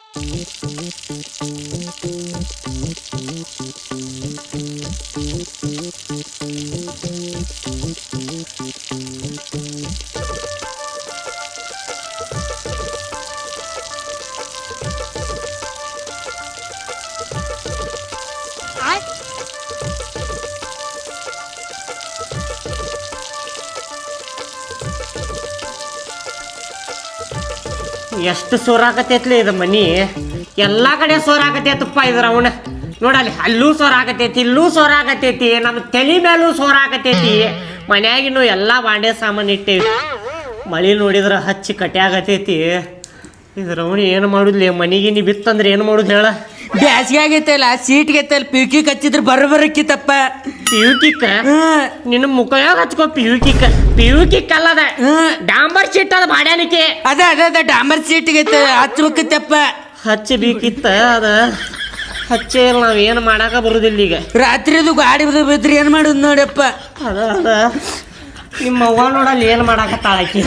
ಎಷ್ಟು ಸೋರಾಕತೈತ್ಲಿ ಇದು ಮನಿ, ಎಲ್ಲ ಕಡೆ ಸೋರಾಕತೈತಪ್ಪ ಇದ್ರ ಅವನ. ನೋಡಲ್ಲಿ ಅಲ್ಲೂ ಸೋರಾಕತೈತಿ, ಇಲ್ಲೂ ಸೋರಾಕತೈತಿ, ನಮ್ಮ ತಲೆ ಮೇಲೂ ಸೋರಾಕತೈತಿ. ಮನ್ಯಾಗಿನ್ನು ಎಲ್ಲ ಬಾಂಡೆ ಸಾಮಾನು ಇಟ್ಟೇವಿ. ಮಳೆ ನೋಡಿದ್ರೆ ಹಚ್ಚಿ ಕಟ್ಯಾಗತೈತಿ. ಇದ್ರ ಅವನು ಏನು ಮಾಡುದ್ಲಿ? ಮನಿಗೆ ನೀ ಬಿತ್ತಂದ್ರೆ ಏನು ಮಾಡುದು ಹೇಳ? ಬ್ಯಾಸಿಗೆ ಆಗೈತಲ್ಲ, ಸೀಟ್ಗೆ ಐತಲ್ಲ, ಪಿಯುಕಿಕ್ ಹಚ್ಚಿದ್ರೆ ಬರಕಿತ್ತಪ್ಪ. ಪಿಯುಕಿಕ್ಕ ನಿನ್ನ ಮುಖಯಾಗ ಹಚ್ಕೋ. ಪಿಯುಕಿಕ್ ಅಲ್ಲದ, ಡಾಂಬರ್ ಶೀಟ್ ಅದ ಬಾಡ್ಯಾನಿಕೆ. ಅದ ಡಾಂಬರ್ ಸೀಟ್ಗೆ ಐತೆ, ಹಚ್ಬೇಕಿತ್ತಪ್ಪ. ಹಚ್ಚಬೇಕಿತ್ತ, ಅದ ಹಚ್ಚೇ ಇಲ್ಲ. ನಾವ್ ಏನು ಮಾಡಾಕ ಬರುದಿಲ್ಲ ಈಗ. ರಾತ್ರಿದು ಗಾಡಿ ಬಿದ್ರಿ ಏನ್ ಮಾಡುದು ನೋಡಪ್ಪ. ಅದ ನಿಮ್ಮ ಅವ್ವ ನೋಡಲ್ಲಿ ಏನು ಮಾಡಾಕತ್ತಾಳಕಿ.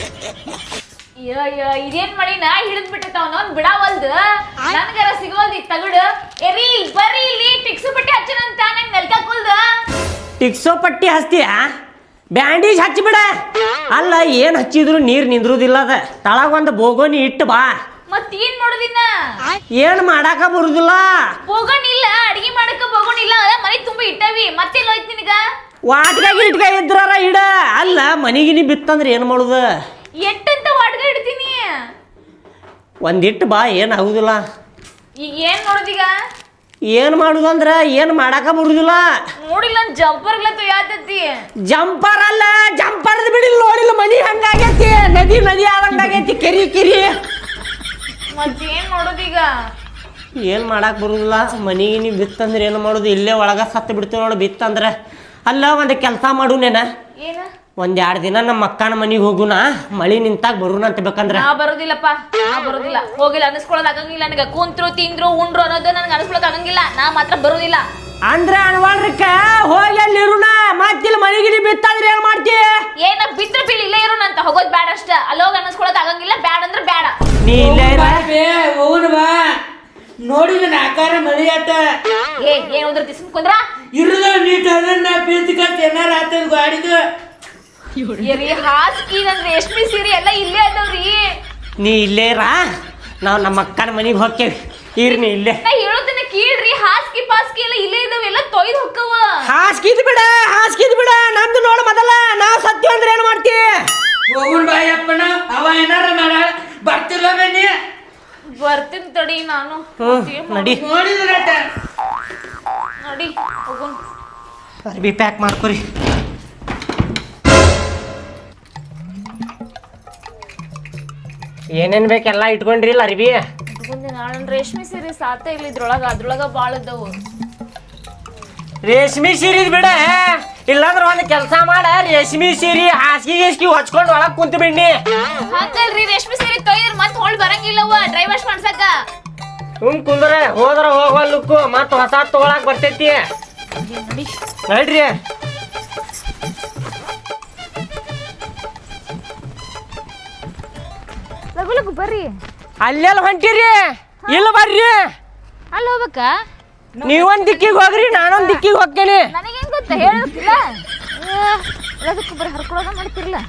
ಇದೇನ್ ಮಾಡಿನ ಹಿಡಿದ್ ಬಿಟ್ಟವನ ಬಿಡಾವಲ್ದು. ನನ್ಗಾರ ಸಿಗೋಲ್ದಿ ತಗಡು. ಎರಿ ಬರ್ರಿ ಇಲ್ಲಿ ಟಿಕ್ಸು ಪಟ್ಟಿ ಹಚ್ಚನಂತ ನಂಗೆ ನೆಲ್ಕಾಕುಲ್ದು. ಟಿಕ್ಸೋ ಪಟ್ಟಿ ಹಚ್ತೀಯ? ಬ್ಯಾಂಡೇಜ್ ಹಚ್ಚಿಬಿಡ. ಅಲ್ಲ, ಏನ್ ಹಚ್ಚಿದ್ರು ನೀರ್ ನಿಂದ್ರುದಿಲ್ಲ. ಅದ ತಳಗ ಒಂದು ಬೋಗೋನಿ ಇಟ್ಟು ಬಾ. ಮತ್ತೇನ್ ಮಾಡೋದಿನ್ನ? ಏನ್ ಮಾಡಾಕ ಬರುದಿಲ್ಲ. ಬೋಗೋಣಿಲ್ಲ, ಅಡಿಗೆ ಮಾಡಕ ಬೋಗೋಣಿಲ್ಲ. ಮನೆ ತುಂಬಾ ಇಟ್ಟವಿ, ಮತ್ತೆಲ್ಲ ಹೋಯ್ತು ನಿನಗ? ವಾಟ್ಗಾಗಿ ಇಟ್ಗ ಇದ್ರಾರ ಇಡ. ಅಲ್ಲ, ಮನಿಗಿನಿ ಬಿತ್ತಂದ್ರೆ ಏನ್ ಮಾಡುದ? ಎಟ್ಟಂತ ವಾಟ್ಗ ಇಡ್ತೀನಿ. ಒಂದಿಟ್ಟು ಬಾ, ಏನ್ ಆಗುದಿಲ್ಲ. ಈಗ ಏನ್ ಮಾಡೋದೀಗ? ಏನ್ ಮಾಡುದಂದ್ರ ಏನ್ ಮಾಡಾಕ ಬರುದಿಲ್ಲ. ನೋಡಿಲ್ಲ, ಜಂಪರ್ ಯಾತತಿ. ಜಂಪರ್ ಅಲ್ಲ, ಜಂಪರ್ ಬಿಡಿಲ್ಲ. ನೋಡಿಲ್ಲ, ಮನಿ ಹಂಗಾಗೈತಿ. ನದಿ ಆದಂಗಾಗೈತಿ, ಕೆರಿ. ಮತ್ತೇನ್ ಮಾಡೋದೀಗ? ಏನ್ ಮಾಡಾಕ ಬರುದಿಲ್ಲ. ಮನಿಗಿನಿ ಬಿತ್ತಂದ್ರೆ ಏನು ಮಾಡುದು? ಇಲ್ಲೇ ಒಳಗ ಸತ್ತು ಬಿಡ್ತೇವೆ ನೋಡು ಬಿತ್ತಂದ್ರ. ಅಲ್ಲ, ಒಂದು ಕೆಲಸ ಮಾಡು ನೇನ. ಏನ? 1-2 ದಿನ ನಮ್ಮ ಅಕ್ಕನ ಮನಿಗೆ ಹೋಗುನ. ಮಳಿ ನಿಂತಾಗ ಬರುನ ಅಂತ ಬೇಕಂದ್ರ. ನಾ ಬರೋದಿಲ್ಲಪ್ಪ, ಬರೋದಿಲ್ಲ. ಹೋಗಿಲ್ಲ, ಅನಿಸ್ಕೊಳ್ಳೋದು ಆಗಂಗಿಲ್ಲ ನನಗ. ಕುಂತ್ರು ತಿಂದ್ರು ಉಂಡ್ರು ಅನ್ನೋದು ನನಗೆ ಅನಿಸ್ಕೊಳ್ಳೋದು ಆಗಂಗಿಲ್ಲ. ನಾ ಮಾತ್ರ ಬರೋದಿಲ್ಲ. ಅಂದ್ರೆ ಅನ್ವಾಳ್ರಿಕ ಹೋಗಿ ಅಲ್ಲಿ ಇರುನ. ಮತ್ತಿಲ್ಲ ಮನಿಗಿನಿ ಬಿತ್ತಂದ್ರೆ ಏನ್ ಮಾಡ್ತಿ? ಏನ ಬಿತ್ರ ಬೀಳಿ ಇಲ್ಲೇ ಇರೋನಂತ. ಹೋಗೋದು ಬ್ಯಾಡ ಅಷ್ಟ. ಅಲ್ಲೋಗಿ ಅನಿಸ್ಕೊಳ್ಳೋದು ಆಗಂಗಿಲ್ಲ. ಬ್ಯಾಡ ಅಂದ್ರೆ ಬ್ಯಾಡ. ನೀ ಇಲ್ಲೇ ಹೋಗುನ್ ಬಾ. ನೋಡಿದ ಆಕಾರ ಮಳಿ ಆಟ. ಏನ್ ಉದ್ರತಿ ಸುಮ್ಕೊಂಡ್ರ? ಇರುದ ನೀಟ್ ಅದನ್ನ ಬೀಳ್ತಿಕಂತ ಏನಾರ ಆತದ ಗಾಡಿದು. ಹಾಸ್ಕಿ ನನ್ ರೇಷ್ಮೆ ಸೀರೆ ಎಲ್ಲ ಇಲ್ಲೇ ಅದಾವ್ರಿ. ನೀ ಇಲ್ಲೇ ರಾ. ನಾವ್ ನಮ್ಮ ಅಕ್ಕನ ಮನಿಗೆ ಹೋಗ್ತೇವಿ. ಇರ್ನಿ ಇಲ್ಲೇ. ನಾ ಹೇಳೋದನ್ನ ಕೇಳ್ರಿ. ಹಾಸ್ಕಿ ಪಾಸ್ಕಿ ಎಲ್ಲ ಇಲ್ಲೇ ಇದಾವ. ಎಲ್ಲ ತೊಯ್ದು ಹೊಕ್ಕವ. ಹಾಸ್ಕಿದ್ ಬಿಡ. ನಮ್ದು ನೋಡ ಮೊದಲ. ನಾವ್ ಸತ್ಯ ಅಂದ್ರೆ ಏನ್ ಮಾಡ್ತಿ? ಹೋಗುನ್ ಬಾಯಪ್ಪನ. ಅವ ಏನಾರ ಮಾಡ ಬರ್ತಿಲ್ಲ ಬನ್ನಿ. ಬರ್ತೀನಿ ತಡಿ ನಾನು. ನಡಿ. ನೋಡಿದ್ರ ನಡಿ ಹೋಗುನ್. ಅರ್ಬಿ ಪ್ಯಾಕ್ ಮಾಡ್ಕೊರಿ. ಏನೇನ್ ಬೇಕೆಲ್ಲ ಇಟ್ಕೊಂಡ್ರಿಲ್ಲ ಅರ್ಬಿ? ನಾನು ರೇಷ್ಮೆ ಸೀರೆ ಸಾತ ಇಲ್ಲ ಇದ್ರೊಳಗ. ಅದ್ರೊಳಗ ಬಾಳ ಇದ್ದವು. ರೇಷ್ಮೆ ಸೀರೆ ಬಿಡ. ಇಲ್ಲಾಂದ್ರ ಒಂದ್ ಕೆಲಸ ಮಾಡ. ರೇಷ್ಮೆ ಸೀರೆ ಹಾಸಿಗೆ ಹೊಚ್ಕೊಂಡು ಒಳಗ್ ಕುಂತ ಬಿಡ್ನಿ. ಹಂಗಲ್ರಿ, ರೇಷ್ಮೆ ಸೀರೆ ತೊಯ್ದ್ರ ಮತ್ ಹೊಳ್ ಬರಂಗಿಲ್ಲವ ಡ್ರೈ ವಾಶ್ ಮಾಡ್ಸಕ. ಕುಂದ್ರ ಹೋದ್ರ ಹೋಗಲ್ಲಕ್ಕು. ಮತ್ ಹೊಸ ತಗೊಳಕ್ ಬರ್ತೈತಿ. ನಡ್ರಿ. ಲಗು ಬರ್ರಿ. ಅಲ್ಲೆಲ್ಲ ಹೊಂಟಿರಿ? ಇಲ್ಲ ಬರ್ರಿ. ಅಲ್ಲಿ ಹೋಗ್ಬೇಕಾ? ನೀವೊಂದ್ ದಿಕ್ಕಿಗೆ ಹೋಗ್ರಿ, ನಾನೊಂದ್ ದಿಕ್ಕಿಗೆ ಹೋಗ್ತೇನೆ. ನನಗೇನ್ ಗೊತ್ತ ಹೇಳಬೇಕಿಲ್ಲ. ಅದಕ್ಕೆ ಬರೀ ಹರ್ಕೊಳಗ ಮಾಡ್ತಿರ್ಲ.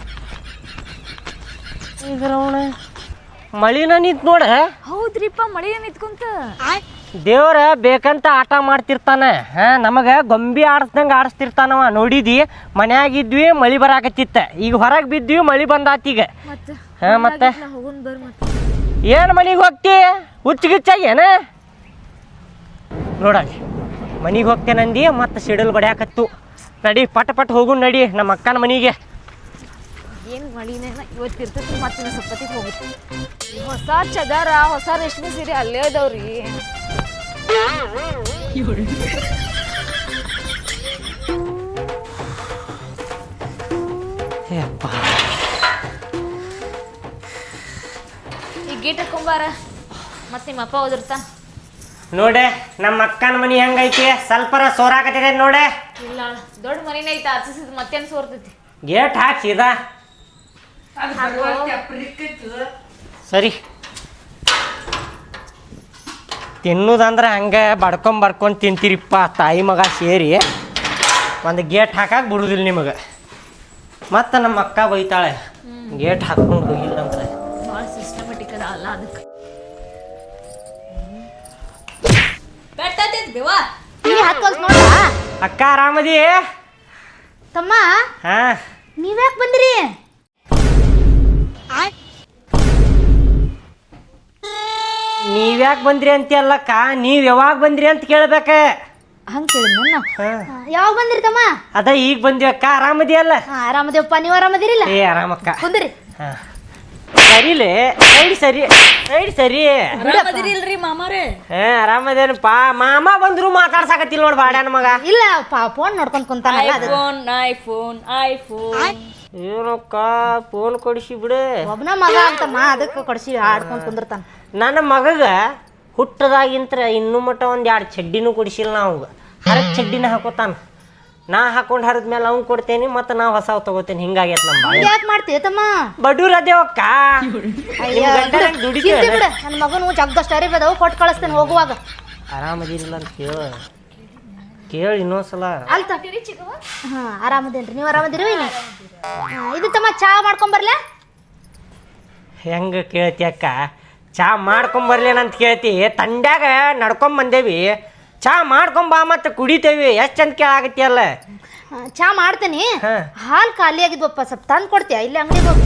ಇದ್ರವಣ ಮಳಿನ ನಿಂತ್ ನೋಡ. ಹೌದ್ರಿಪ್ಪ, ಮಳಿ ನಿಂತ್ಕೊಂತ. ದೇವ್ರ ಬೇಕಂತ ಆಟ ಮಾಡ್ತಿರ್ತಾನ. ನಮಗ ಗೊಂಬಿ ಆಡಿಸ್ದಂಗ ಆಡಿಸ್ತಿರ್ತಾನವ. ನೋಡಿದಿ, ಮನ್ಯಾಗಿದ್ವಿ ಮಳಿ ಬರಾಕತ್ತಿತ್ತ. ಈಗ ಹೊರಗೆ ಬಿದ್ವಿ ಮಳಿ ಬಂದಾತೀಗ. ಮತ್ತೆ ಏನ್ ಮನಿಗೆ ಹೋಗ್ತಿ? ಹುಚ್ಚಿಗಿಚ್ಚಾಗೇನ? ನೋಡಲ್ಲಿ ಮನಿಗೆ ಹೋಗ್ತೇನಂದಿ, ಮತ್ತೆ ಸಿಡಲ್ ಬಡಿಯಾಕತ್ತು. ನಡಿ ಪಟ್ ಹೋಗು. ನಡಿ ನಮ್ಮ ಅಕ್ಕನ ಮನಿಗೆ. ಏನು ಮಳಿನ ಇವತ್ತು ಇರ್ತೈತಿ. ಮತ್ತೆ ಸಪ್ಪತ್ತಿಗೆ ಹೋಗುತ್ತೆ. ಹೊಸ ಚದಾರ, ಹೊಸ ರೇಷ್ಮೆ ಸೀರೆ ಅಲ್ಲೇ ಅದಾವ್ರಿ. ಈಗ ಗೇಟ್ ಹಾಕೊಂಬಾರ. ಮತ್ತೆ ನಿಮ್ಮ ಅಪ್ಪ ಹೋದಿರ್ತಾ ನೋಡೆ. ನಮ್ಮ ಅಕ್ಕನ ಮನಿ ಹೆಂಗೈತಿ? ಸ್ವಲ್ಪರ ಸೋರಾಕತ್ತಿದೆ ನೋಡೆ. ಇಲ್ಲ, ದೊಡ್ಡ ಮನಿನ ಐತ. ಹಚ್ಚಿಸಿದ್ ಮತ್ತೇನು ಸೋರ್ತೈತಿ. ಗೇಟ್ ಹಾಕ್ಸಿದ. ಸರಿ. ತಿನ್ನೋದಂದ್ರೆ ಹಂಗೆ ಬಡ್ಕೊಂಡ್ ತಿಂತೀರಿಪ್ಪ ತಾಯಿ ಮಗ ಸೇರಿ. ಒಂದು ಗೇಟ್ ಹಾಕಕ್ಕೆ ಬಿಡುದಿಲ್ಲ ನಿಮಗೆ. ಮತ್ತು ನಮ್ಮ ಅಕ್ಕ ಬೈತಾಳೆ ಗೇಟ್ ಹಾಕ್ಕೊಂಡು ಹೋಗಿಲ್ಲ ಅಂದ್ರೆ. ಭಾಳ ಸಿಸ್ಟಮೆಟಿಕ್ ಅದ ಅಲ್ಲ ಅದಕ್ಕೆ ಅಕ್ಕ ಆರಾಮದಿ? ತಮ್ಮ ಹಾಂ. ನೀವ್ಯಾಕೆ ಬಂದ್ರಿ? ನೀವ್ಯಾಕೆ ಬಂದ್ರಿ ಅಂತೀಯಲ್ಲಕ್ಕ, ನೀವು ಯಾವಾಗ ಬಂದ್ರಿ ಅಂತ ಕೇಳ್ಬೇಕ. ಹಂಗೆ ಕೇಳಿದ್ ಯಾವಾಗ ಬಂದ್ರಿ ತಮ್ಮ? ಅದ ಈಗ ಬಂದಿವಕ್ಕ. ಆರಾಮದಿಯಲ್ಲ? ಆರಾಮದೇವಪ್ಪ, ನೀವು ಆರಾಮದಿರಿಲ್ಲ? ಏ ಆರಾಮಕ್ಕ. ಕುಂದ್ರಿ. ಹಾಂ ಸರಿಲೇ ಸರಿ ಸರಿ. ಆರಾಮದಿರಿಲ್ರಿ ಮಾಮಾರೇ? ಹಾಂ ಆರಾಮದೇನಪ್ಪ. ಮಾಮ ಬಂದ್ರು ಮಾತಾಡ್ಸಾಕತ್ತಿಲ್ಲ ನೋಡಿ ಬಾಡ್ಯಾನ ಮಗ. ಇಲ್ಲ ಫೋನ್ ನೋಡ್ಕೊಂಡ್ ಕುಂತಾನಲ್ಲ ಅದು. ಐಫೋನ್ ಏನಕ್ಕ ಫೋನ್ ಕೊಡಿಸಿ ಬಿಡು. ಒಬ್ನ ಮಗ ಅಂತಮ್ಮ, ಅದಕ್ಕೆ ಕೊಡ್ಸಿ ಆಡ್ಕೊಂಡ್ ಕುಂದಿರ್ತಾನ. ನನ್ನ ಮಗಗ ಹುಟ್ಟದಾಗಿಂತ್ರ ಇನ್ನೂ ಮಟ್ಟ ಒಂದು 2 ಚಡ್ಡಿನೂ ಕೊಡಿಸಿಲ್ಲ ನಾವು. ಹರದ್ ಚಡ್ಡಿನ ಹಾಕೋತಾನ. ನಾ ಹಾಕೊಂಡು ಹರಿದ ಮೇಲೆ ಅವ್ನು ಕೊಡ್ತೇನೆ, ಮತ್ತು ನಾ ಹೊಸವು ತಗೋತೇನೆ. ಹಿಂಗಾಗೈತೆ ನಮ್ಮ ಯಾಕೆ ಮಾಡ್ತೀಯ ತಮ್ಮ? ಬಡೂರ್ ಅದೇವಕ್ಕ. ದುಡಿತೇವೆ. ನನ್ನ ಮಗನು ಜಗ್ಗಷ್ಟು ಅರಿವು ಅದಾವು, ಕೊಟ್ಟು ಕಳಿಸ್ತೇನೆ ಹೋಗುವಾಗ. ಆರಾಮದಿರಿಲ್ಲ ಅಂತ ಕೇಳಿ ಇನ್ನೊಂದ್ಸಲ. ಅಲ್ತ ಹಾ ಆರಾಮದೇನ್ರಿ, ನೀವು ಆರಾಮದಿರಿ? ಇದು ತಮ್ಮ ಚಾ ಮಾಡ್ಕೊಂಬರ್ಲ? ಹೆಂಗೆ ಕೇಳ್ತಿ ಅಕ್ಕ? ಚಾ ಮಾಡ್ಕೊಂಬರ್ಲೇನಂತ ಕೇಳ್ತಿ? ತಂಡ್ಯಾಗ ನಡ್ಕೊಂಬಂದೇವಿ, ಚಾ ಮಾಡ್ಕೊಂಬಾ ಮತ್ತು ಕುಡಿತೇವಿ. ಎಷ್ಟು ಚಂದ ಕೇಳಾಗತ್ತಿಯಲ್ಲ. ಚಾ ಮಾಡ್ತೇನಿ. ಹಾ. ಹಾಲು ಖಾಲಿ ಆಗಿದ್ವಪ್ಪ, ಸ್ವಲ್ಪ ತಂದು ಕೊಡ್ತೀಯ? ಇಲ್ಲಿ ಅಂಗಡಿಗೆ ಹೋಗಿ.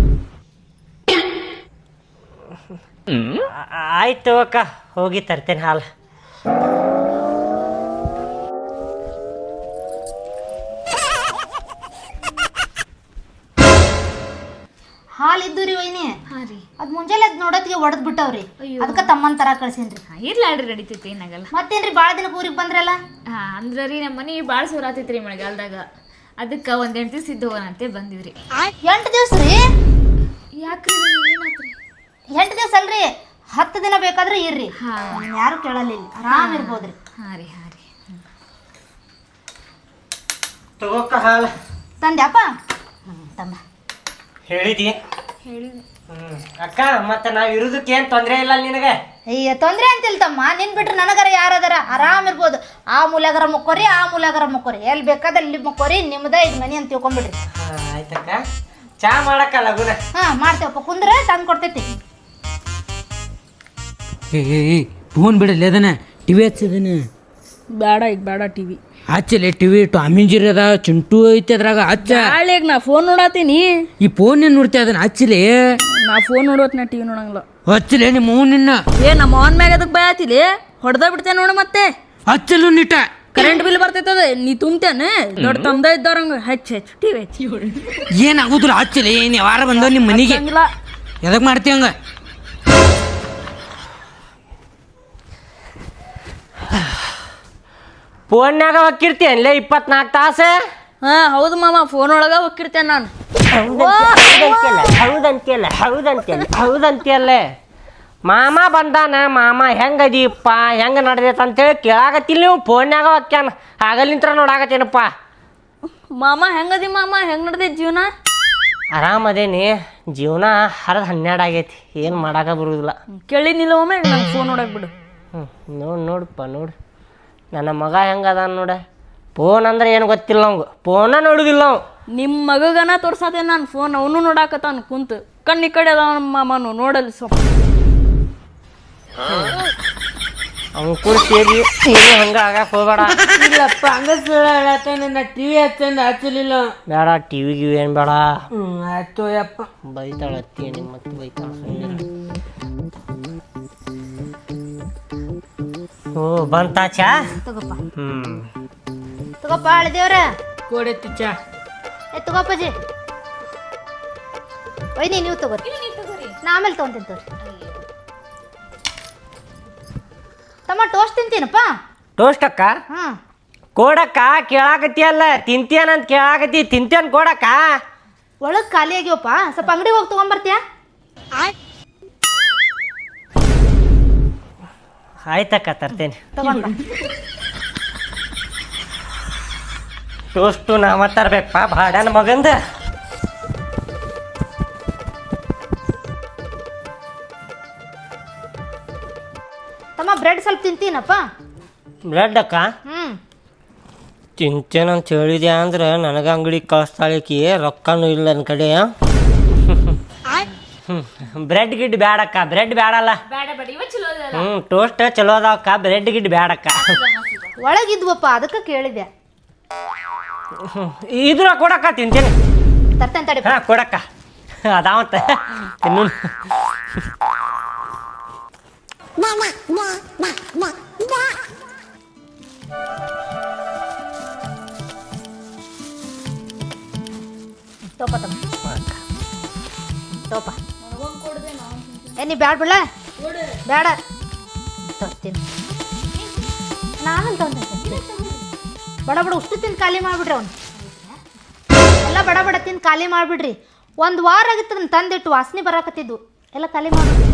ಆಯ್ತು ಅಕ್ಕ, ಹೋಗಿ ತರ್ತೇನೆ ಹಾಲು. ಹಾಲು ಇದ್ದು ರೀ ವೈನಿ. ಅದ್ ಮುಂಜಾನೆ ಅದ್ ನೋಡೋತ್ತಿಗೆ ಒಡೆದ್ ಬಿಟ್ಟವ್ರಿ. ಅದಕ್ಕೆ ತಮ್ಮನ್ ತರ ಕಳ್ಸೇನ್ರಿ. ಇರ್ಲಾಡ್ರಿ ನಡೀತೈತಿ, ಏನಾಗಲ್ಲ. ಮತ್ತೇನ್ರಿ ಭಾಳ ದಿನಕ್ಕೆ ಊರಿಗೆ ಬಂದ್ರಲ್ಲ? ಅಂದ್ರೆ ರೀ ನಮ್ಮ ಮನೆ ಭಾಳ ಸೋರಾತೈತ್ರಿ ಮಳೆಗಾಲದಾಗ. ಅದಕ್ಕೆ ಒಂದು 8 ದಿವಸ ಇದ್ದು ಹೋಗೋಣಂತೆ ಬಂದಿವ್ರಿ. 8 ದಿವಸ ರೀ? ಯಾಕ್ರಿ ಏನಾತ್ರಿ? 8 ದಿವಸ ಅಲ್ರಿ, 10 ದಿನ ಬೇಕಾದ್ರೆ ಇರ್ರಿ. ಯಾರು ಕೇಳಲಿಲ್ಲ, ಆರಾಮ್ ಇರ್ಬೋದ್ರಿ. ಹಾಂ ರೀ ತಗೋಕ್ಕ ಹಾಲು ತಂದ್ಯಾಪ? ತಮ್ಮ ಹೇಳಿದಿ? ಅಕ್ಕ, ಮತ್ತೆ ನಾವ್ ಇರುದಕ್ಕೆ ಏನ್ ತೊಂದ್ರೆ ಇಲ್ಲ ನಿನಗೆ? ಅಯ್ಯ ತೊಂದ್ರೆ ಅಂತಿಲ್ ತಮ್ಮ, ನಿನ್ ಬಿಟ್ರೆ ನನಗರ ಯಾರದಾರ? ಆರಾಮ್ ಇರ್ಬೋದು. ಆ ಮೂಲೆಗರ ಮುಕ್ಕೋರಿ, ಆ ಮೂಲೆಗರ ಮುಕ್ಕೋರಿ, ಎಲ್ಲಿ ಬೇಕಾದ ಅಲ್ಲಿ ಮುಕ್ಕೋರಿ. ನಿಮ್ದ ಇದು ಮನಿ ಅಂತ ತಿಳ್ಕೊಂಡ್ಬಿಡ್ರಿ. ಆಯ್ತಕ್ಕ, ಚಾ ಮಾಡಕ್ಕ ಲಗುನ. ಹಾ ಮಾಡ್ತೇವಪ್ಪ, ಕುಂದ್ರೆ ತಂದು ಕೊಡ್ತೈತಿ. ಫೋನ್ ಬಿಡಲ್ಲ ಅದನ್ನ, ಟಿವಿ ಹಚ್ಚದನ. ಬೇಡ ಈಗ ಬೇಡ ಟಿವಿ ಹಚ್ಚಲೆ. ಟಿವಿ ಟಾಮಿಂಜಿರಿ ಅದ, ಚಿಂಟು ಐತಿ ಅದ್ರಾಗ. ಹಚ್ಚ. ನಾಳೆಗ್ ನಾ ಫೋನ್ ನೋಡಾತೀನಿ. ಈ ಫೋನ್ ಏನ್ ನೋಡ್ತಿ ಅದನ್ನ? ಹಚ್ಚಲೆ. ನಾ ಫೋನ್ ನೋಡೋತ್ ನಾ ಟಿವಿ ನೋಡಂಗಿಲ್ಲ. ಹಚ್ಚಲೆ ನಿಮ್ಮ ನಿನ್ನ. ನಮ್ಮ ಅವನ್ ಮ್ಯಾಗ ಅದಕ್ಕೆ ಬಯತಿಲಿ ಹೊಡೆದ ಬಿಡ್ತೇನೆ ನೋಡು. ಮತ್ತೆ ಹಚ್ಚಲು ನಿಟ. ಕರೆಂಟ್ ಬಿಲ್ ಬರ್ತೈತದ, ನೀ ತುಂಬ್ತೇನೆ. ದೊಡ್ಡ ತಂದ ಇದ್ದವ್ರಂಗ ಹೆಚ್ಚು ಟಿವಿ ಹಚ್ಚಿ. ಏನಾಗುದಿಲ್ಲ, ಹಚ್ಚಲೆ. ಏನ್ ಯಾವಾರ ಬಂದವ ನಿಮ್ಮ ಮನಿಗೆ? ಎದಕ್ ಮಾಡ್ತಿ ಹಂಗ? ಫೋನ್ಯಾಗ ಹೊಕ್ಕಿರ್ತೀಯನ್ಲೇ 24 ತಾಸು? ಹಾ ಹೌದು ಮಾಮ, ಫೋನ್ ಒಳಗ ಹೋಗಿರ್ತೇನೆ ನಾನು. ಹೌದಂತಿಯಲ್ಲ. ಮಾಮ ಬಂದಾನ. ಮಾಮ ಹೆಂಗದೀಪ್ಪ, ಹೆಂಗ ನಡೆದೈತೆ ಅಂತೇಳಿ ಕೇಳಾಕತ್ತಿಲ್ಲ ನೀವು? ಫೋನ್ಯಾಗ ಹೊಕ್ಕ್ಯಾನ. ಆಗಲಿಂತ್ರ ನೋಡಾಕತ್ತೇನಪ್ಪ. ಮಾಮ ಹೆಂಗದಿ ಮಾಮ? ಹೆಂಗ್ ನಡ್ದೈತಿ ಜೀವನ? ಆರಾಮದೇನಿ. ಜೀವನ ಹರಿದು 12 ಆಗೈತಿ, ಏನು ಮಾಡಾಕ ಬರುದಿಲ್ಲ. ಕೇಳಿನಿಲ್ಲ ಒಮ್ಮೆ ನಂಗೆ ಫೋನ್ ನೋಡಕ್ ಬಿಡು. ನೋಡಪ್ಪ ನೋಡು, ನನ್ನ ಮಗ ಹೆಂಗದ ನೋಡ. ಫೋನ್ ಅಂದ್ರೆ ಏನು ಗೊತ್ತಿಲ್ಲ ಅವಂಗ, ಫೋನ ನೋಡುದಿಲ್ಲ ಅವ್. ನಿಮ್ಮ ಮಗಗನ ತೋರ್ಸಾದೆ ನಾನು ಫೋನ್, ಅವನು ನೋಡಾಕತ್ತಾನ ಕುಂತು. ಕಣ್ಣಿ ಕಡೆ ಅದ ನಮ್ಮ ಮಾಮನು ನೋಡಲಿ ಸ್ವಲ್ಪ. ಅವ್ನು ಕೂಡ ಸೇರಿ ನೀನು ಹಂಗ ಆಗಾಕ ಹೋಗ್ಬೇಡ. ಇಲ್ಲಪ್ಪ, ಹಂಗ ಸುಳ್ಳ ಟಿವಿ ಹಚ್ಚಂದ ಹಚ್ಚಲಿಲ್ಲ. ಬೇಡ, ಟಿವಿ ಗಿವಿ ಏನು ಬೇಡ. ಆಯ್ತು ಯಪ್ಪ. ಬೈತಾಳ ಅತ್ತಿ ನಿಮ್ಮ ಮತ್ತೆ ಬೈತಾಳ. ಓ ಬಂತಾ ಚಾ? ತಗೋಪ್ಪ ಹ್ಮ್ ತಗೋಪ್ಪ ಅಳದೇವ್ರ. ಕೊಡೆತ್ತಿ ಚಾ. ತಗೋಪ್ಪಜಿ. ಒಯ್ನಿ ನೀವು ತಗೋರಿ, ನಾ ಆಮೇಲೆ ತೊಗೊಂತೀನಿ ತೋರಿ. ತಮ್ಮ ಟೋಸ್ಟ್ ತಿಂತೀನಪ್ಪ. ಟೋಸ್ಟ್ ಅಕ್ಕ? ಹಾ ಕೊಡಕ್ಕ. ಕೇಳಾಕತ್ತಿಯಲ್ಲ, ತಿಂತೇನಂತ ಕೇಳಾಕತ್ತಿ. ತಿಂತೇನ್ ಕೊಡಕ್ಕ? ಒಳಗೆ ಖಾಲಿ ಆಗ್ಯವಪ್ಪ, ಸ್ವಲ್ಪ ಅಂಗಡಿ ಹೋಗಿ ತೊಗೊಂಬರ್ತೀಯ? ಆಯ್ತಕ್ಕ, ತರ್ತೇನೆ. ತಗೊಂಡ ಟೋಸ್ಟು ನಾವ ತರ್ಬೇಕಪ್ಪ, ಭಾಡ್ಯಾನ ಮಗಂದ. ತಮ್ಮ ಬ್ರೆಡ್ ಸ್ವಲ್ಪ ತಿಂತೀನಪ್ಪ. ಬ್ರೆಡ್ ಅಕ್ಕ ತಿಂತೇನಂತ ಹೇಳಿದೆ ಅಂದ್ರೆ ನನಗೆ ಅಂಗಡಿ ಕಳಿಸ್ತಾಳಿಕಿ ರೊಕ್ಕನೂ ಇಲ್ಲ ನನ್ನ ಕಡೆ. ಬ್ರೆಡ್ ಗಿಡ್ ಬ್ಯಾಡಕ್ಕ, ಬ್ರೆಡ್ ಬ್ಯಾಡಲ್ಲ. ಬೇಡ ಬೇಡ ಇವ ಚಲೋ ಅದಲ್ಲ. ಟೋಸ್ಟ್ ಚಲೋ ಅದಾವಕ್ಕ, ಬ್ರೆಡ್ ಗಿಡ್ ಬ್ಯಾಡಕ್ಕ. ಒಳಗಿದ್ವಪ್ಪ ಅದಕ್ಕೆ ಕೇಳಿದೆ. ಇದ್ರ ಕೊಡಕ್ಕ ತಿಂತೇನೆ. ತರ್ತೇನೆ ತಡಿ. ಹಾಂ ಕೊಡಕ್ಕ ಅದಾವಂತ ತಿನ್ನು. ತೋಪ ತಮ್ಮ ತೋಪ. ನೀ ಬ್ಯಾಡ ಬಿಡ್ಲ ಬೇಡ ತರ್ತೀನಿ ನಾನಲ್ಲಿ ತಗೊಂತೀನಿ. ಬಡ ಬಡ ಉಷ್ಟು ತಿಂದು ಖಾಲಿ ಮಾಡಿಬಿಡ್ರಿ ಅವ್ನು ಎಲ್ಲ ಬಡ ಬಡ ತಿಂದು ಖಾಲಿ ಮಾಡಿಬಿಡ್ರಿ. ಒಂದು ವಾರ ಆಗಿತ್ತು ಅದನ್ನ ತಂದಿಟ್ಟು ವಾಸನೆ ಬರಾಕತ್ತಿದ್ದು ಎಲ್ಲ ಖಾಲಿ ಮಾಡಿಬಿಡ್ರಿ.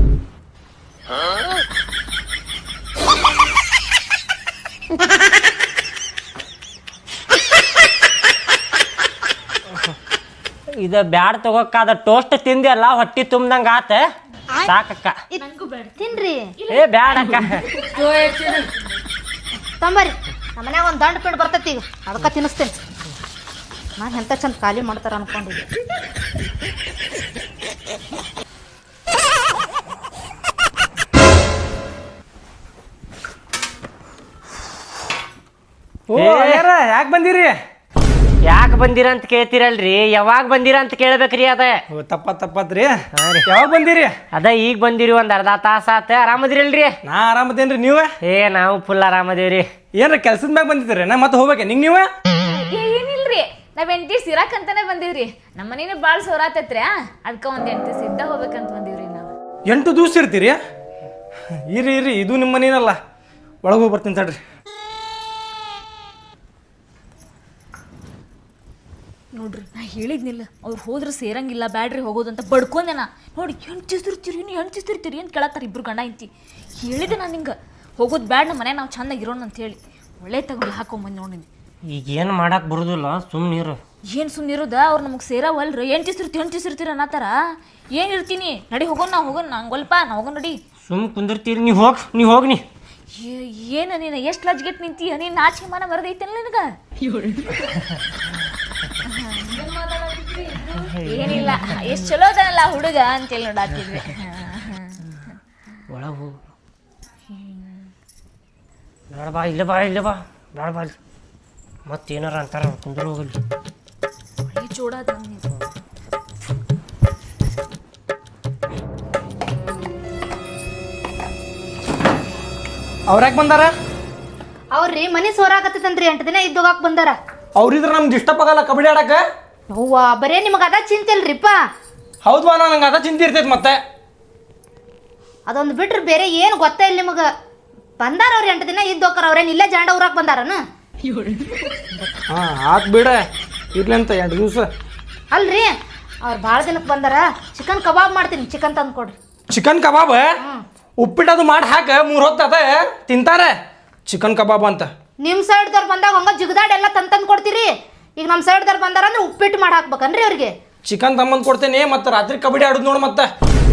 ಇದು ಬ್ಯಾಡ ತಗೋಕ್ಕ, ಅದ ಟೋಸ್ಟ್ ತಿಂದಿ ಅಲ್ಲ ಹೊಟ್ಟಿ ತುಂಬ್ದಂಗ ಆತ ಸಾಕಕ್ಕ. ತಿನ್ರಿ ಏ ಬ್ಯಾಡಕ್ಕ. ತಂಬರಿ ನಮ್ಮ ಮನ್ಯಾಗ ಒಂದು ದಂಡ ಪಿಂಡ್ ಬರ್ತೈತಿ ಈಗ ಅದಕ್ಕೆ ತಿನ್ನಿಸ್ತೇನೆ. ನಾನು ಎಂತ ಚಂದ ಖಾಲಿ ಮಾಡ್ತಾರ ಅನ್ಕೊಂಡಿದ್ದೆ. ಯಾಕೆ ಬಂದಿರಿ? ಯಾಕೆ ಬಂದಿರ ಅಂತ ಕೇಳ್ತಿರಲ್ರಿ, ಯಾವಾಗ ಬಂದಿರ ಅಂತ ಕೇಳ್ಬೇಕ್ರಿ. ಅದ ತಪ್ಪತ್ರಿ. ಯಾವಾಗ ಬಂದಿರಿ? ಅದ ಈಗ ಬಂದಿರಿ, ಒಂದ್ ಅರ್ಧ ತಾಸ ಆತ. ಆರಾಮದಿರಲ್ರಿ? ನಾ ಆರಾಮದೇನ್ರಿ. ನೀವ? ನಾವು ಫುಲ್ ಆರಾಮದೇವ್ರಿ. ಏನ್ರ ಕೆಲ್ಸದ ಮ್ಯಾಗ ಬಂದಿದ್ರಿ? ನಾ ಮತ್ತೆ ಹೋಗ್ಬೇಕೆ ನಿಂಗೆ? ನೀವ ಏನಿಲ್ರಿ, ನಾವ್ 8 ದಿವ್ಸ ಇರಾಕಂತಾನೆ ಬಂದಿವ್ರಿ. ನಮ್ಮ ಮನೇನ ಬಾಳ್ ಸೋರಾತೈತ್ರಿ, ಅದಕ್ಕ ಒಂದ್ 8 ದಿವ್ಸ ಇದ್ದ ಹೋಗ್ಬೇಕಂತ ಬಂದಿವ್ರಿ ನಾವು. 8 ದಿವ್ಸ ಇರ್ತೀರಿ? ಇರ್ರಿ ಇದು ನಿಮ್ಮ ಮನೇನಲ್ಲ, ಒಳಗೆ ಹೋಗಿ ಬರ್ತೀನಿ ತಡ್ರಿ. ನೋಡ್ರಿ ನಾ ಹೇಳಿದ್ನಿಲ್ಲ, ಅವ್ರು ಹೋದ್ರೆ ಸೇರಂಗಿಲ್ಲ ಬ್ಯಾಡ್ರಿ ಹೋಗೋದಂತ ಬಡ್ಕೊಂಡೆ ನಾ. ನೋಡಿ ಹೆಣ್ತಿರ್ತೀರಿ ಅಂತ ಕೇಳತ್ತಾರ ಇಬ್ರು ಗಂಡ ಇಂತಿ. ಹೇಳಿದೆ ನಾನು ಹಿಂಗೆ ಹೋಗೋದು ಬ್ಯಾಡ್, ನಮ್ಮ ಮನೆ ನಾವು ಚೆನ್ನಾಗಿರೋಣ ಅಂತ ಹೇಳಿ ಒಳ್ಳೆ ತಗೊಂಡು ಹಾಕೊಂಬಂದು ನೋಡಿನಿ. ಈಗ ಏನು ಮಾಡಕ್ ಬರುದಿಲ್ಲ, ಸುಮ್ಮನಿರು. ಏನು ಸುಮ್ಮನಿರೋದ? ಅವ್ರು ನಮಗೆ ಸೇರವಲ್ರಿ. ಹೆಣ್ತಿರ್ತೀರಿ ಅನ್ನತ್ತಾರ. ಏನು ಇರ್ತೀನಿ ನಡಿ ಹೋಗೋಣ, ನಾವು ಹೋಗೋಣ. ನಂಗೊಲ್ಪ ನಾ ಹೋಗೋಣ ನಡಿ. ಸುಮ್ ಕುಂದಿರ್ತೀರಿ, ನೀವು ಹೋಗ್ನಿ. ಏನು ನೀನು ಎಷ್ಟು ಲಜ್ಗೆಟ್ ನಿಂತೀಯ? ನೀನು ನಾಚಿಕೆ ಮಾನ ಬರೋದೈತಲ್ಲ ನಿನಗೆ? ಏನಿಲ್ಲ, ಎಷ್ಟು ಚಲೋ ಅದಲ್ಲ ಹುಡುಗ ಅಂತೇಳಿ ನೋಡಾತಿದ್ವಿ. ಒಳಗೆ ಹೋಗು. ಬೇಡ ಬಾ, ಇಲ್ಲ ಬಾ ಬೇಡ ಬಾ. ಮತ್ತೇನಾರ ಅಂತಾರ ಕುಂದ್ರು ಹೋಗಲಿ. ಒಳ್ಳೆ ಚೂಡಾದ ಅವ್ರ್ಯಾಕೆ ಬಂದಾರ? ಅವ್ರಿ ಮನೆ ಸೋರಾಕತ್ತೈತಂತ್ರಿ 8 ದಿನ ಇದ್ದೋಗಾಕ್ ಬಂದಾರ. ಅವ್ರಿದ್ರ ನಮ್ಗೆ ಡಿಸ್ಟರ್ಬ್ ಆಗಲ್ಲ ಕಬಡ್ಡಿ ಆಡಕ್ಕೆ? ಅವ್ವ ಬರೇ ನಿಮಗೆ ಅದ ಚಿಂತಿಲ್ರಿಪ್ಪ. ಹೌದು ಬಾ, ನಂಗೆ ಅದ ಚಿಂತೆ ಇರ್ತೈತೆ ಮತ್ತೆ. ಅದೊಂದು ಬಿಟ್ರೆ ಬೇರೆ ಏನು ಗೊತ್ತೇ ಇಲ್ಲ ನಿಮಗೆ. ಬಂದಾರ ಅವ್ರು 8 ದಿನ ಇದ್ದೋಕಾರ. ಅವ್ರೇನು ಇಲ್ಲೇ ಜಾಂಡ ಊರಾಕ್ ಬಂದಾರನ? ಹಾಂ ಆತ್ ಬಿಡ, ಇರ್ಲಿ ಅಂತ 2 ದಿವಸ. ಅಲ್ರಿ ಅವ್ರು ಭಾಳ ದಿನಕ್ಕೆ ಬಂದಾರ. ಚಿಕನ್ ಕಬಾಬ್ ಮಾಡ್ತೀನಿ, ಚಿಕನ್ ತಂದು ಕೊಡ್ರಿ. ಚಿಕನ್ ಕಬಾಬ್ ಉಪ್ಪಿಟ್ಟದು ಮಾಡಿ ಹಾಕ 3 ಹೊತ್ತು ಅದ ತಿಂತಾರೆ. ಚಿಕನ್ ಕಬಾಬ್ ಅಂತ ನಿಮ್ಮ ಸೈಡ್ದವ್ರು ಬಂದಾಗ ಹಂಗ ಜಿಗದಾಡ್ ಎಲ್ಲ ತಂದು ಕೊಡ್ತೀರಿ. ಈಗ ನಮ್ಮ ಸೈಡ್ದವ್ರು ಬಂದಾರ ಅಂದ್ರೆ ಉಪ್ಪಿಟ್ಟು ಮಾಡಿ ಹಾಕ್ಬೇಕನ್ರಿ ಅವ್ರಿಗೆ? ಚಿಕನ್ ತಮ್ಮಂದು ಕೊಡ್ತೇನೆ, ಮತ್ತೆ ರಾತ್ರಿ ಕಬಡ್ಡಿ ಆಡೋದು ನೋಡು ಮತ್ತೆ.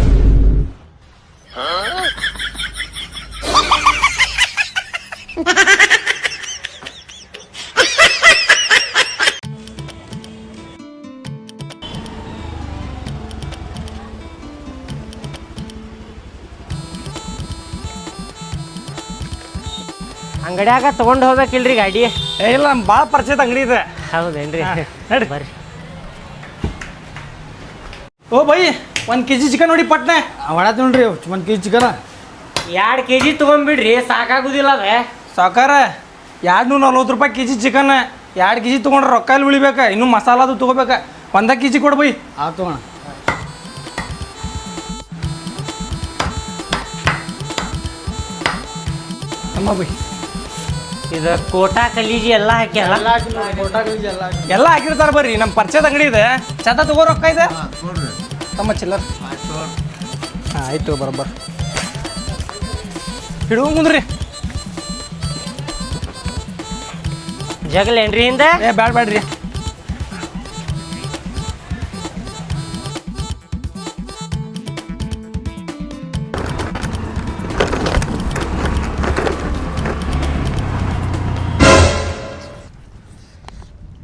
ಅಂಗಡಿಯಾಗ ತಗೊಂಡು ಹೋಗ್ಬೇಕಿಲ್ರಿ ಗಾಡಿ? ಇಲ್ಲ ಭಾಳ ಪರಿಚಯದ ಅಂಗಡಿ ಇದೆ. ಹೌದೇನ್ರಿ? ನಡಿ ಬರ್ರಿ. ಓ ಬೈ, 1 kg ಚಿಕನ್ ನೋಡಿ ಪಟ್ನೆ. ಒಳ ನೋಡ್ರಿ 1 kg ಚಿಕನ. 2 kg ತೊಗೊಂಡ್ಬಿಡ್ರಿ, ಸಾಕಾಗುದಿಲ್ಲ ಅದ. ಸಾಕಾರ 240 ರೂಪಾಯಿ kg ಚಿಕನ್. 2 kg ತೊಗೊಂಡ್ರೆ ರೊಕ್ಕ ಇಲ್ಲಿ ಉಳಿಬೇಕ, ಇನ್ನೂ ಮಸಾಲದು ತೊಗೋಬೇಕ. 1 kg ಕೊಡು ಬೈ. ಆತು ತಗೋಣ. ಅಮ್ಮ ಬೈ, ಇದು ಕೋಟಾ ಕಲೀಜಿ ಎಲ್ಲ ಹಾಕ್ಯಾರ. ಎಲ್ಲ ಹಾಕಿರ್ತಾರೆ ಬರ್ರಿ, ನಮ್ಮ ಪರಿಚಯದ ಅಂಗಡಿ ಇದೆ. ಚಟ ತಗೋ, ರೊಕ್ಕ ಇದೆ ತಮ್ಮ ಚಿಲ್ಲರ್. ಹಾಂ ಆಯ್ತು, ಬರೋಬ್ಬರ ಹಿಡುವ ಮುಂದ್ರಿ. ಜಗಲೇನ್ರಿ ಹಿಂದೆ? ಬ್ಯಾಡ್ರಿ.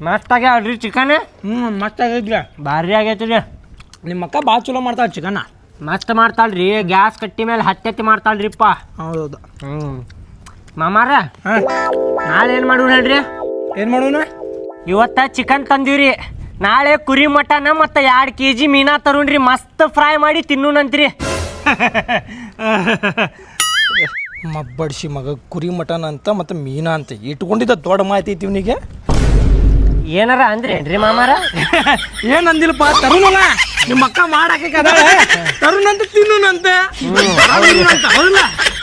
ಮಸ್ತ್ ಆಗ್ಯಾವ್ರಿ ಚಿಕನ್ ಮಸ್ತ್ ಆಗೈತ್ರಿ ಭಾರಿ ಆಗೈತ್ರಿ ನಿಮ್ಮ ಅಕ್ಕ ಭಾಳ ಚಲೋ ಮಾಡ್ತಾಳೆ ಚಿಕನ್ನ ಮಸ್ತ್ ಮಾಡ್ತಾಳ್ರಿ ಗ್ಯಾಸ್ ಕಟ್ಟಿ ಮೇಲೆ ಹತ್ತಿ ಮಾಡ್ತಾಳ್ರಿಪ್ಪ ಹೌದೌದು ಮಾಮಾರ ಹಾಂ ನಾಳೆ ಏನು ಮಾಡೋಣ ಹೇಳ್ರಿ ಏನು ಮಾಡೋಣ ಇವತ್ತ ಚಿಕನ್ ತಂದೀವ್ರಿ ನಾಳೆ ಕುರಿ ಮಟನ್ ಮತ್ತು 2 kg ಮೀನಾ ತರುಣ್ರಿ ಮಸ್ತ್ ಫ್ರೈ ಮಾಡಿ ತಿನ್ನೂನಂತ್ರಿ ಮಬ್ಬಡಿಸಿ ಮಗ ಕುರಿ ಮಟನ್ ಅಂತ ಮತ್ತು ಮೀನಾ ಅಂತ ಇಟ್ಕೊಂಡಿದ್ದ ದೊಡ್ಡ ಮಾಹಿತಿ ಐತಿ ಇವನಿಗೆ ಏನಾರ ಅಂದ್ರೇನ್ರಿ ಮಾಮಾರ ಏನು ಅಂದಿಲ್ಲಪ್ಪ ತರುಣಲ್ಲ ನಿಮ್ಮ ಅಕ್ಕ ಮಾಡಾಕೆ ಕದಾಳೆ ತರುಣಂತ ತಿನ್ನುನಂತೆ ಹೌದಲ್ಲ